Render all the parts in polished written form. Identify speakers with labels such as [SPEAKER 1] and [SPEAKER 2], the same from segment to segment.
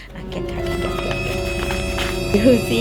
[SPEAKER 1] แกะค่ะดูสิ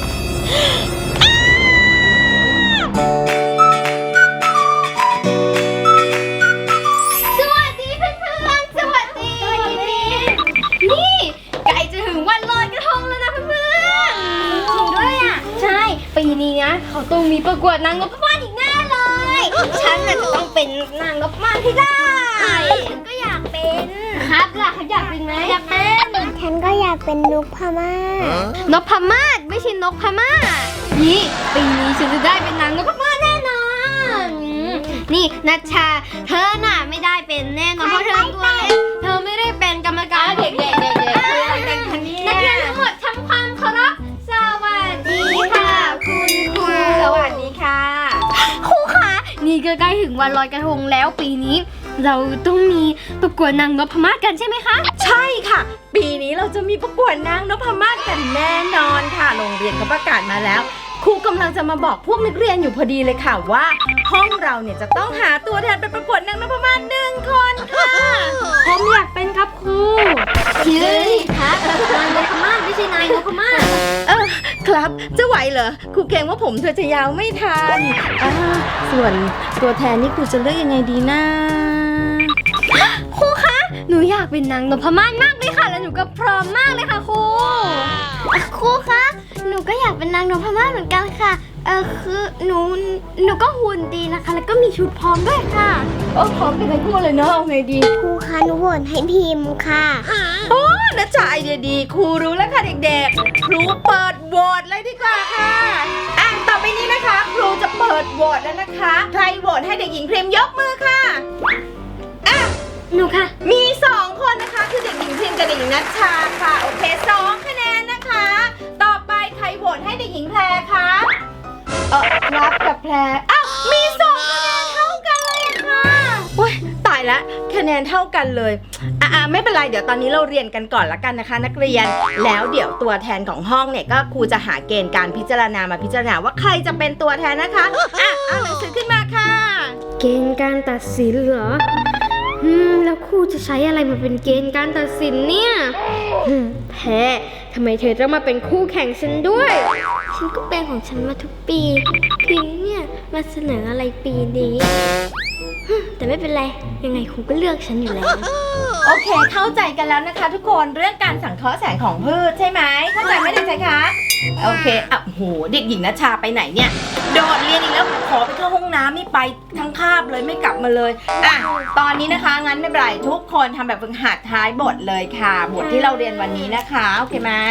[SPEAKER 2] สวัสดีเพื่อนๆสวัสดีนี่ใกล้จะถึงวันลอยกระทงแล้วนะเพื่อนๆจริงด้วยอ่ะใช่ปีนี้นะเขาต้องมีประกวดนางนพมาศอีกแน่เลยฉันน่ะจะต้องเป็นนางนพมาศที่ได้ฉันก็อยากเป็นครับล่ะเขาอยากเป็นไหมอยากเป็นฉันก็อยากเป็นนกพม่านกพม่าไม่ใช่นกพม่านี่ปีนี้ฉันจะได้เป็นนางนพมาศแน่นอนนี่นัชชาเธอน่ะไม่ได้เป็นแน่นอนเพราะเธอตัวเล็กเธอไม่ได้เป็นกรรมการเด็กๆนักเรียนทั้งหมดทำความเคารพสวัสดีค่ะคุณครูสวัสดีค่ะครูคะนี่ก็ใกล้ถึงวันลอยกระทงแล้วปีนี้เราต้องมีประกวดนางนพมาศกันใช่ไหมคะ
[SPEAKER 1] ใช่ค่ะปีนี้เราจะมีประกวดนางนพมาศกันแน่นอนค่ะโรงเรียนเขาประกาศมาแล้วครูกำลังจะมาบอกพวกนักเรียนอยู่พอดีเลยค่ะว่าห้องเราเนี่ยจะต้องหาตัวแทนไปประกวดนางนพมาศ1 คนค่ะผมอยากเป็นครับครู
[SPEAKER 2] ชื่อคะนางนพมาศไม่ใช่นายนพมาศ
[SPEAKER 1] ครับจะไหวเหรอครูเกรงว่าผมเธอจะยาวไม่ทันส่วนตัวแทนนี่ครูจะเลือกยังไงดีนะ
[SPEAKER 2] ครูคะหนูอยากเป็นนางนพมาศมากเลยค่ะแล้วหนูก็พร้อมมากเลยค่ะครูครูคะหนูก็อยากเป็นนางนพมาศเหมือนกันค่ะคือหนูก็หุ่นดีนะคะแล้วก็มีชุดพร้อมด้วยค่ะ
[SPEAKER 1] พร้อมกันทั้งคู่เลยเนาะเอาไงดี
[SPEAKER 2] ครูคะหนูโหวตให้พิมพ์ค่ะ
[SPEAKER 1] โอ้นัชชาไอเดียดีครูรู้แล้วค่ะเด็กๆครูเปิดโหวตเลยดีกว่าค่ะต่อไปนี้นะคะครูจะเปิดโหวตแล้วนะคะใครโหวตให้เด็กหญิงพริมยกมือค่ะ
[SPEAKER 2] หนูค่ะ
[SPEAKER 1] มี2 คนนะคะคือเด็กหญิงพริมกับเด็กหญิงนัชชาค่ะโอเค2 คะแนนนะคะต่อไปใครโหวตให้เด็กหญิงแพรคะรับกับแพรมี2 คะแนนเท่ากันเลยค่ะโอ้ยตายละคะแนนเท่ากันเลยไม่เป็นไรเดี๋ยวตอนนี้เราเรียนกันก่อนละกันนะคะนักเรียนแล้วเดี๋ยวตัวแทนของห้องเนี่ยก็ครูจะหาเกณฑ์การพิจารณามาพิจารณาว่าใครจะเป็นตัวแทนนะคะเอาหนังสือขึ้นมาค่ะ
[SPEAKER 2] เกณฑ์การตัดสินเหรอแล้วครูจะใช้อะไรมาเป็นเกณฑ์การตัดสินเนี่ยแพ้ทำไมเธอต้องมาเป็นคู่แข่งฉันด้วยฉันก็เป็นของฉันมาทุกปีพิมเนี่ยมาเสนออะไรปีนี้แต่ไม่เป็นไรยังไงครูก็เลือกฉันอยู่แล้ว
[SPEAKER 1] โอเคเข้าใจกันแล้วนะคะทุกคนเรื่องการสังเคราะห์แสงของพืชใช่ไหมเข้าใจไหมเด็กชายคะโอเคโหเด็กหญิงนัชชาไปไหนเนี่ยโดดเรียนอีกแล้วขอไปเข้าห้องน้ำนี่ไปทั้งคาบเลยไม่กลับมาเลยตอนนี้นะคะงั้นไม่เป็นไรทุกคนทำแบบฝึกหัดท้ายบทเลยค่ะบทที่เราเรียนวันนี้นะคะโอเคไหม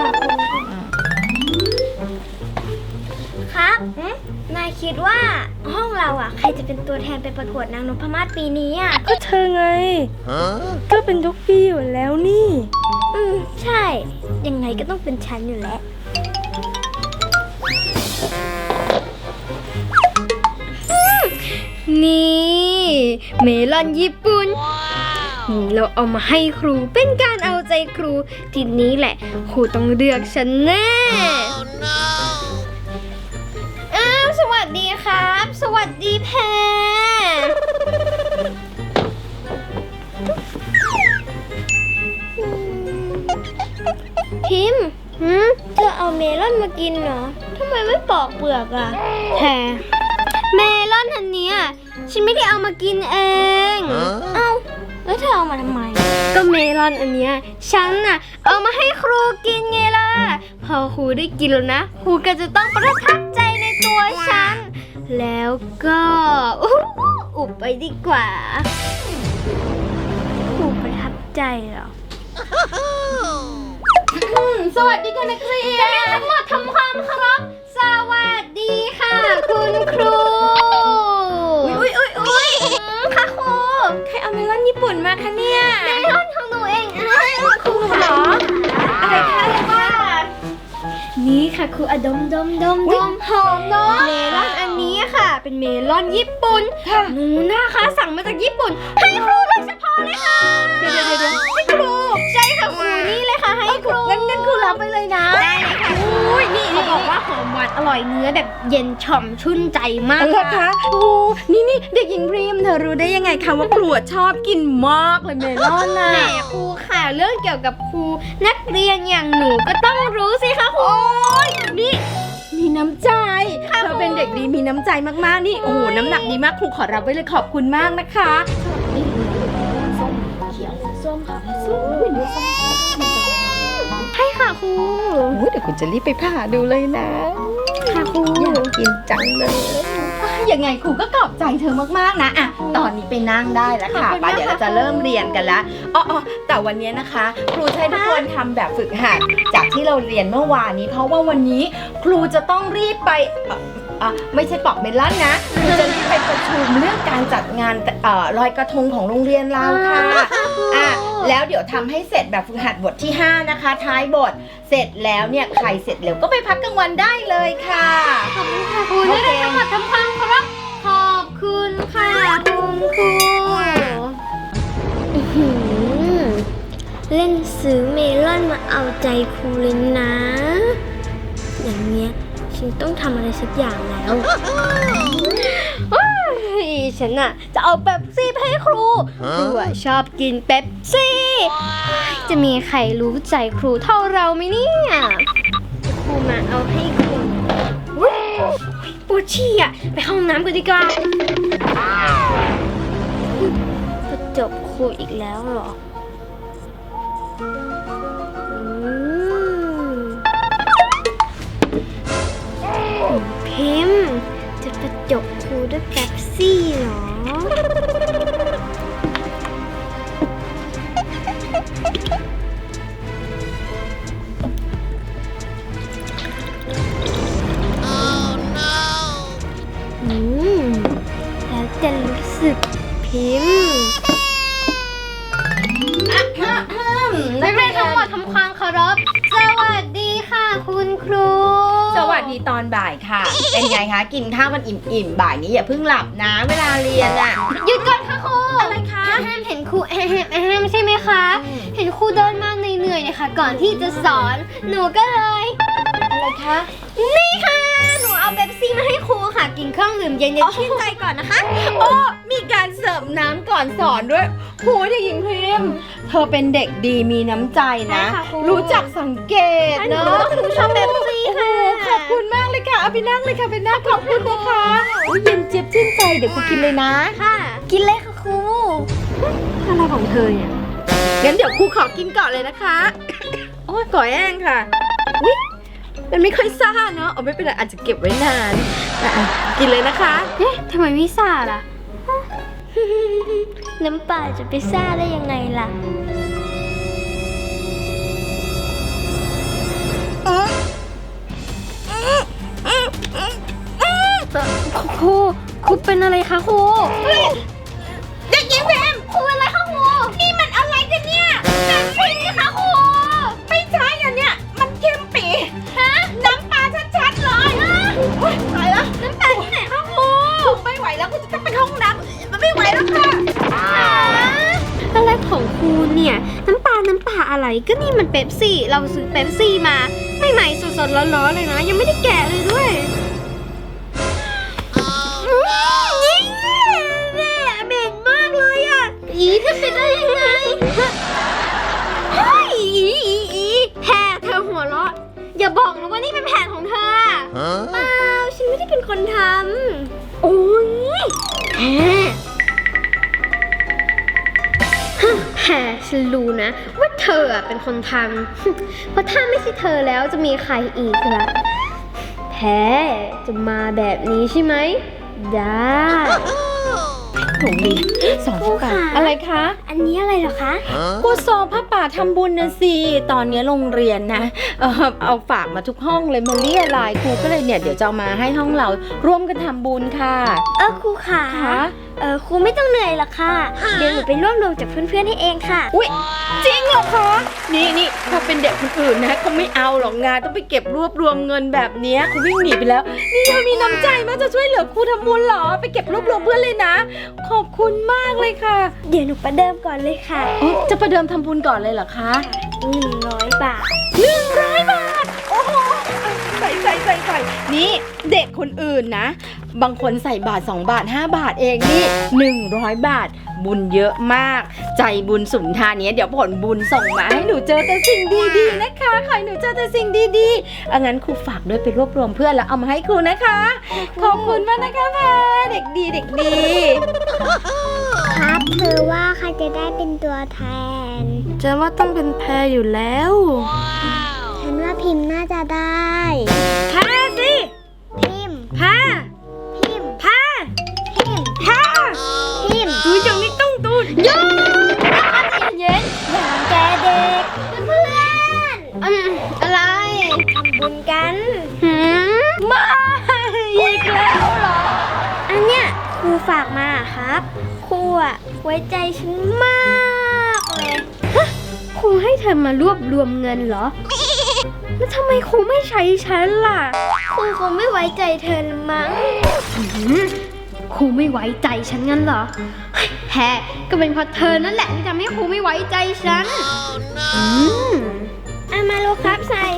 [SPEAKER 2] ครับนายคิดว่าห้องเราใครจะเป็นตัวแทนไปประกวดนางนพมาศปีนี้
[SPEAKER 1] ก็เธอไงก็เป็นทุกปีอยู่แล้วนี่
[SPEAKER 2] ใช่ยังไงก็ต้องเป็นฉันอยู่แล้วนี่เมลอนญี่ปุ่นเราเอามาให้ครูเป็นการเอาใจครูทีนี้แหละครูต้องเลือกฉันแน่สวัสดีครับสวัสดีแพรพิมพ์เธอเอาเมลอนมากินเหรอทำไมไม่ปอกเปลือกแพรเมลอนอันเนี้ยฉันไม่ได้เอามากินเองแล้วเธอเอามาทำไมก็เมลอนอันเนี้ยฉันเอามาให้ครูกินไงล่ะพอครูได้กินแล้วนะครูก็จะต้องประทับใจในตัวฉันแล้วก็อุบไปดีกว่าครูประทับใจเหรอ
[SPEAKER 1] สวัสดีค่ะนักเรียน
[SPEAKER 2] ทั้งหมดทำความเคารพสวัสดีค่ะคุณครู
[SPEAKER 1] อุ้ย
[SPEAKER 2] ค่ะครู
[SPEAKER 1] ใครเอาเมลอนญี่ปุ่นมาคะเนี่ย
[SPEAKER 2] เมลอนของหนูเองครูเหรอ
[SPEAKER 1] อะไรคะเรียกว่า
[SPEAKER 2] นี่ค่ะครูดม
[SPEAKER 1] หอมเนาะ
[SPEAKER 2] เมลอนอันนี้ค่ะเป็นเมลอนญี่ปุ่นหนูนะคะสั่งมาจากญี่ปุ่นให้ครูโดยเฉพาะเลยค่ะ
[SPEAKER 1] เดี๋ยวให้ครู
[SPEAKER 2] ใช่ค่ะครูนี่เลยค่ะให้ครู
[SPEAKER 1] งั้นครูรับไปเลยนะ
[SPEAKER 2] ได้เลยค่ะ
[SPEAKER 1] อุ้ยนี่
[SPEAKER 2] เขาบอกว่าหอมหวานอร่อยเนื้อแบบเย็นฉ่ำชื่นใจมาก
[SPEAKER 1] เหรอคะโอ้นี่เด็กหญิงพริมเธอรู้ได้ยังไงคะว่าครูชอบกินมากเลยเมลอนน่ะ
[SPEAKER 2] แหมครูค่ะเรื่องเกี่ยวกับครูนักเรียนอย่างหนูก็ต้องรู้สิคะครู
[SPEAKER 1] นี่มีน้ำใจเธอเป็นเด็กดีมีน้ำใจมากๆนี่โอ้โหน้ำหนักดีมากครูขอรับไว้เลยขอบคุณมากนะคะนี่ส้มเขียวส้มค่ะส้มส้ม
[SPEAKER 2] ใช่ค่ะครู
[SPEAKER 1] เดี๋ยวคุณจะรีบไปผ่าดูเลยนะ
[SPEAKER 2] ค่ะครู
[SPEAKER 1] อยากกินจังเลยยังไงครูก็ขอบใจเธอมากๆนะอ่ะตอนนี้ไปนั่งได้แล้วค่ะป่ะเดี๋ยวเราจะเริ่มเรียนกันแล้วอ๋อแต่วันนี้นะคะ ครูให้ทุกคนทำแบบฝึกหัดจากที่เราเรียนเมื่อวานนี้ เพราะว่าวันนี้ครูจะต้องรีบไปไม่ใช่ปอกเมลอนนะครูจะรีบไปประชุมเรื่องการจัดงานลอยกระทงของโรงเรียนเราค่ะแล้วเดี๋ยวทำให้เสร็จแบบฝึกหัดบทที่5นะคะท้ายบทเสร็จแล้วเนี่ยใครเสร็จเร็วก็ไปพักกลางวันได้เลยค่ะ
[SPEAKER 2] ขอบคุณค่ะครูได้ทั้งหมดทำความเคารพขอบคุณค่ะคุณครูเล่นซื้อเมลอนมาเอาใจครูเลยนะ อย่างเงี้ยฉันต้องทำอะไรสักอย่างแล้วฉันอะจะเอาเป๊ปซี่ไปให้ครูครูอะชอบกินเป๊ปซี่จะมีใครรู้ใจครูเท่าเราไหมเนี่ยครูมาเอาให้ครูปวดฉี่อะไปห้องน้ำกันดีกว่าจะจบครูอีกแล้วเหรอพิมพ์จะประจบครูด้วยเป๊ปซี่เหรอแล้วจะรู้สึกพิมพ์นักเรียนทั้งหมดทำความเคารพสวัสดีค่ะคุณครู
[SPEAKER 1] สวัสดีตอนบ่ายค่ะ เป็นไงคะกินข้าวมันอิ่มๆบ่ายนี้อย่าเพิ่งหลับนะเวลาเรียนอ่ะ
[SPEAKER 2] หยุดก่อนค่ะครู
[SPEAKER 1] อะไรคะ
[SPEAKER 2] แฮมเห็นครูแฮมใช่ไหมคะเห็นครูเดินมาเหนื่อยๆเนี่ยค่ะก่อนที่จะสอนหนูก็เลย
[SPEAKER 1] อะไรคะ
[SPEAKER 2] นี่ค่ะหนูเอาเป๊ปซี่มาให้ครูค่ะกินเครื่องดื่มเย็นๆชื่นใจก่อนนะคะ
[SPEAKER 1] โอ้มีการเสิร์ฟน้ำก่อนสอนด้วยครูเด็กหญิงพิมพ์เธอเป็นเด็กดีมีน้ำใจนะ
[SPEAKER 2] ใช่ค่ะครู
[SPEAKER 1] รู้จักสังเกต
[SPEAKER 2] หนู
[SPEAKER 1] เนาะ
[SPEAKER 2] หนูชอบเป๊ปซี่ค่ะ
[SPEAKER 1] ขอบคุณมากเลยค่ะเอาไปนั่งเลยค่ะไปนั่งขอบคุณนะคะอุ๊ยเย็นเจี๊ยบชื่นใจเดี๋ยวครูกินเลยนะ
[SPEAKER 2] ค่ะ กินเลยค่ะครู
[SPEAKER 1] อะไรของเธอเนี่ยงั้นเดี๋ยวครูขอกินก่อนเลยนะคะ โอ้ยก่อยแองค่ะอุ๊ยมันไม่ค่อยซ่าเนาะเอาไม่เป็นไรอาจจะเก็บไว้นานอ่ะกินเลยนะคะ
[SPEAKER 2] เอ๊ะทำไมไม่ซ่าล่ะ น้ำปลาจะไปซ่าได้ยังไงล่ะครูเป็นอะไรคะครูเด็กหญิงแพมครูเป็นอะไรคะครูนี่มันอะไรกันเนี่ยแพมคุยนี่คะครูไม่ใช่อันเนี้ยมันเค็มปีฮะน้ำปลาชัดๆเลยตายแล้วน้ำปลาที่ไหนคะครูไม่ไหวแล้วครูจะต้องไปเข้าห้องน้ำมันไม่ไหวแล้วค่ะอะไรของครูเนี่ยน้ำปลาอะไรก็นี่มันเป๊ปซี่เราซื้อเป๊ปซี่มาใหม่ๆสดๆร้อนๆเลยนะยังไม่ได้แกะเลยด้วยเหม็นมากเลยอ่ะอีเธอเป็นได้ยังไงเฮ้ยอีแพรเธอหัวเราะอย่าบอกนะว่านี่เป็นแผนของเธอเปล่าฉันไม่ได้เป็นคนทำโอ้ยแพรฉันรู้นะว่าเธอเป็นคนทำเพราะถ้าไม่ใช่เธอแล้วจะมีใครอีกล่ะแพรจะมาแบบนี้ใช่ไหมได้
[SPEAKER 1] ถุงดีสองผ้าป่าอะไรคะ
[SPEAKER 2] อันนี้อะไรเหรอคะ
[SPEAKER 1] กูซองผ้าป่าทำบุญนะสิตอนนี้โรงเรียนนะเอาฝากมาทุกห้องเลยมาเรียรายครูก็เลยเนี่ยเดี๋ยวจะเอามาให้ห้องเราร่วมกันทำบุญค่ะ
[SPEAKER 2] ครูค่ะครูไม่ต้องเหนื่อยหรอกค่ะเดี๋ยวหนูไปรวบรวมจากเพื่อนๆให้เองค่ะ
[SPEAKER 1] อุ๊ยจริงเหรอคะนี่ถ้าเป็นเด็กคนอื่นนะเขาไม่เอาหรอกงานต้องไปเก็บรวบรวมเงินแบบนี้เขาวิ่งหนีไปแล้วนี่เธอมีน้ำใจมากจะช่วยเหลือครูทำบุญเหรอไปเก็บรวบรวมเพื่อนเลยนะขอบคุณมากเลยค่ะ
[SPEAKER 2] เดี๋ยวหนูประเดิมก่อนเลยค่ะ
[SPEAKER 1] จะประเดิมทำบุญก่อนเลยเหรอคะ
[SPEAKER 2] 100 บาท
[SPEAKER 1] 100 บาทโอ้โหใส่ใส่นี่เด็กคนอื่นนะบางคนใส่บาท2 บาท5 บาทเองนี่100 บาทบุญเยอะมากใจบุญสุนทานนี้เดี๋ยวผลบุญส่งมาให้หนูเจอแต่สิ่งดีๆนะคะขอให้หนูเจอแต่สิ่งดีๆงั้นครูฝากด้วยไปรวบรวมเพื่อนแล้วเอามาให้ครูนะคะขอบคุณมากนะคะแพรเด็กดี
[SPEAKER 2] ครับเธอว่าใครจะได้เป็นตัวแทน
[SPEAKER 1] จะว่าต้องเป็นแพรอยู่แล้ว
[SPEAKER 2] ฉันว่าพิมพ์น่าจะได้
[SPEAKER 1] แพรสิ
[SPEAKER 2] พิมพ์
[SPEAKER 1] แพร
[SPEAKER 2] พิมพ์
[SPEAKER 1] แพร
[SPEAKER 2] พิมพ์
[SPEAKER 1] แพร
[SPEAKER 2] พิมพ์
[SPEAKER 1] ดูอย่างนี้ต้องดูเยอะ
[SPEAKER 2] เย็นอย่างแกเด็กเพื่อนอะไรทำบุญกัน
[SPEAKER 1] มาอีกแล้วเหรอ
[SPEAKER 2] อันเนี้ยครูฝากมาครับครูอะไว้ใจฉันมากเลยครูให้เธอมารวบรวมเงินเหรอแล้วทำไมครูไม่ใช้ฉันล่ะครูคงไม่ไว้ใจเธอมั้งครูไม่ไว้ใจฉันงั้นเหรอแฮก็เป็นเพราะเธอนั่นแหละที่ทำให้ครูไม่ไว้ใจฉันมาโลครับใส่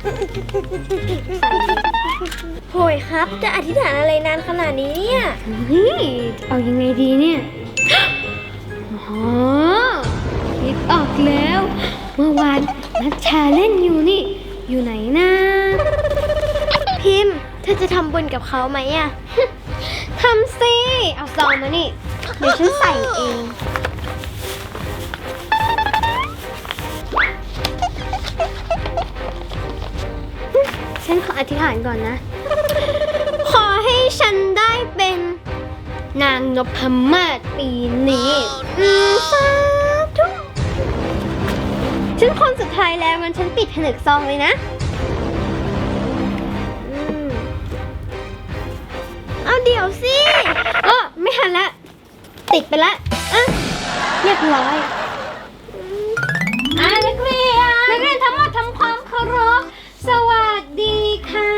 [SPEAKER 2] โหยครับจะอธิษฐานอะไรนานขนาดนี้เนี่ยเอายังไงดีเนี่ยอ๋อคิดออกแล้วเมื่อวานนัชชาเล่นอยู่นี่อยู่ไหนนะพิมพ์เธอจะทำบุญกับเขาไหมอะทำสิเอาซองมานี่เดี๋ยวฉันใส่เองฉันขออธิษฐานก่อนนะขอให้ฉันได้เป็นนางนพมาศปีนี้สาธุฉันคนสุดท้ายแล้วมันฉันปิดผนึกซองเลยนะเอาเดี๋ยวสิไม่ทันละติดไปละเรียบร้อยนักเรียนทั้งหมดทำความเคารพสวัสดีค่ะ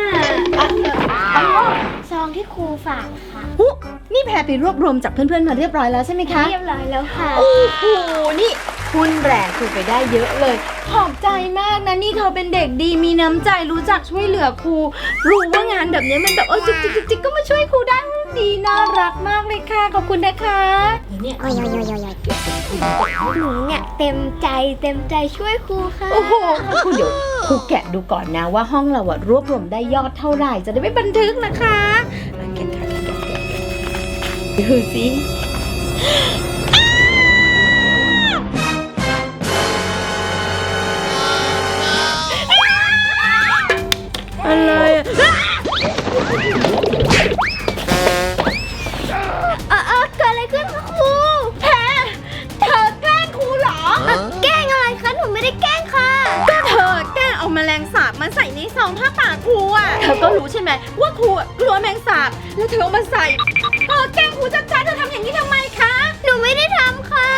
[SPEAKER 2] ซองที่ครูฝากค่ะ
[SPEAKER 1] นี่แพรไปรวบรวมจากเพื่อนๆมาเรียบร้อยแล้วใช่ไหมคะ
[SPEAKER 2] เรียบร้อยแล้วค่ะ
[SPEAKER 1] โอ้โหนี่คุณแรงครูไปได้เยอะเลยขอบใจมากนะนี่เธอเป็นเด็กดีมีน้ำใจรู้จักช่วยเหลือครูรู้ว่างานแบบนี้มันแบบจิกก็มาช่วยครูได้ดีน่ารักมากเลยค่ะขอบคุณนะคะเนี่ย
[SPEAKER 2] หนูเนี่ยเต็มใจช่วยครูค่ะ
[SPEAKER 1] โอ้โหครูเดี๋ยวครูแกะดูก่อนนะว่าห้องเรารวบรวมได้ยอดเท่าไหร่จะได้ไม่บันทึกนะคะดูสิอะไร
[SPEAKER 2] เกิดอะไรขึ้นคะครู
[SPEAKER 1] แพรเธอแกล้งครูเหรอ
[SPEAKER 2] แกล้งอะไรคะหนูไม่ได้แกล้งค่ะ
[SPEAKER 1] ก็เธอแกล้งเอาแมลงสาบมาใส่ในซองผ้าป่าครูเธอก็รู้ใช่ไหมว่าครูกลัวแมลงสาบแล้วเธอเอามาใส่แกล้งครูชัดๆเธอทำอย่างนี้ทำไมคะ
[SPEAKER 2] หนูไม่ได้ทำค่ะ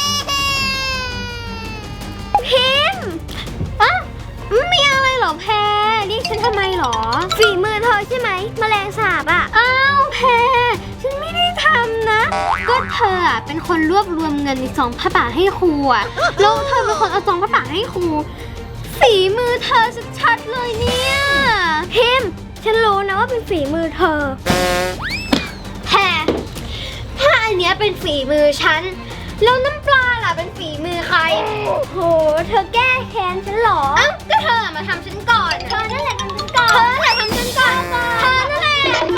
[SPEAKER 2] พิมพ์มีอะไรเหรอแพรเรียกฉันทำไมเหรอฝีมือเธอใช่ไหมแมลงสาบอ้าวแพรฉันไม่ได้ทำนะก็เธอเป็นคนรวบรวมเงินในซองผ้าป่าให้ครูแล้วเธอเป็นคนเอาซองผ้าป่าให้ครูฝีมือเธอชัดๆเลยเนี่ยพิมพ์ฉันรู้นะว่าเป็นฝีมือเธอแพรถ้าอันเนี้ยเป็นฝีมือฉันแล้วน้ำปลาล่ะเป็นฝีมือใครโหเธอแก้แค้นฉันหรอก็เธอมาทำฉันก่อนเธอนั่นแหละทำฉันก่อนเธอนั่นแหละทำฉันก่อนเธอนั่นแหละ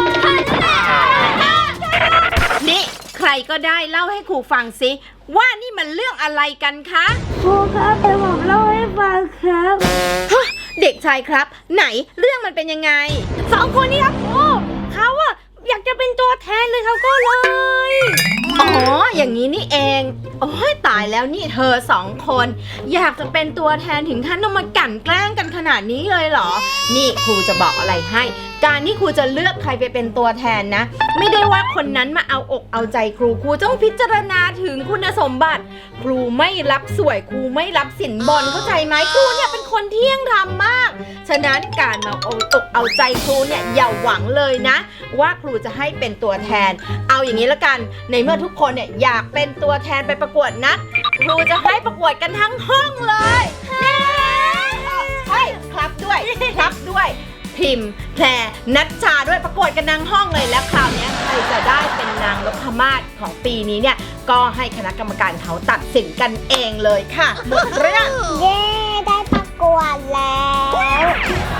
[SPEAKER 1] นี่ใครก็ได้เล่าให้ครูฟังสิว่านี่มันเรื่องอะไรกันคะ
[SPEAKER 2] ครูครับเดี๋ยวผมเล่าให้ฟังครับ
[SPEAKER 1] เด็กชายครับไหนเรื่องมันเป็นยังไง
[SPEAKER 2] 2 คนนี้ครับครูเขาอยากจะเป็นตัวแทนเลยเขาก็เลย
[SPEAKER 1] อ๋ออย่างนี้นี่เองโอ้ยตายแล้วนี่เธอ2 คนอยากจะเป็นตัวแทนถึงขั้นต้องมากลั่นแกล้งกันขนาดนี้เลยเหรอนี่ครูจะบอกอะไรให้การที่ครูจะเลือกใครไปเป็นตัวแทนนะไม่ได้ว่าคนนั้นมาเอาอกเอาใจครูต้องพิจารณาถึงคุณสมบัติครูไม่รับสวยครูไม่รับสินบนเข้าใจไหมครูเนี่ยเป็นคนเที่ยงธรรมมากฉะนั้นการมาเอาอกเอาใจครูเนี่ยอย่าหวังเลยนะว่าครูจะให้เป็นตัวแทนเอาอย่างนี้ละกันในเมื่อทุกคนเนี่ยอยากเป็นตัวแทนไปประกวดนะครูจะให้ประกวดกันทั้งห้องเลยครับด้วยพิมพ์แพรนัชชาด้วยประกวดกันนางห้องเลยแล้วคราวนี้ใครจะได้เป็นนางนพมาศของปีนี้เนี่ยก็ให้คณะกรรมการเขาตัดสินกันเองเลยค่ะหมดเรื่อง
[SPEAKER 2] เย้ได้ประกวดแล้ว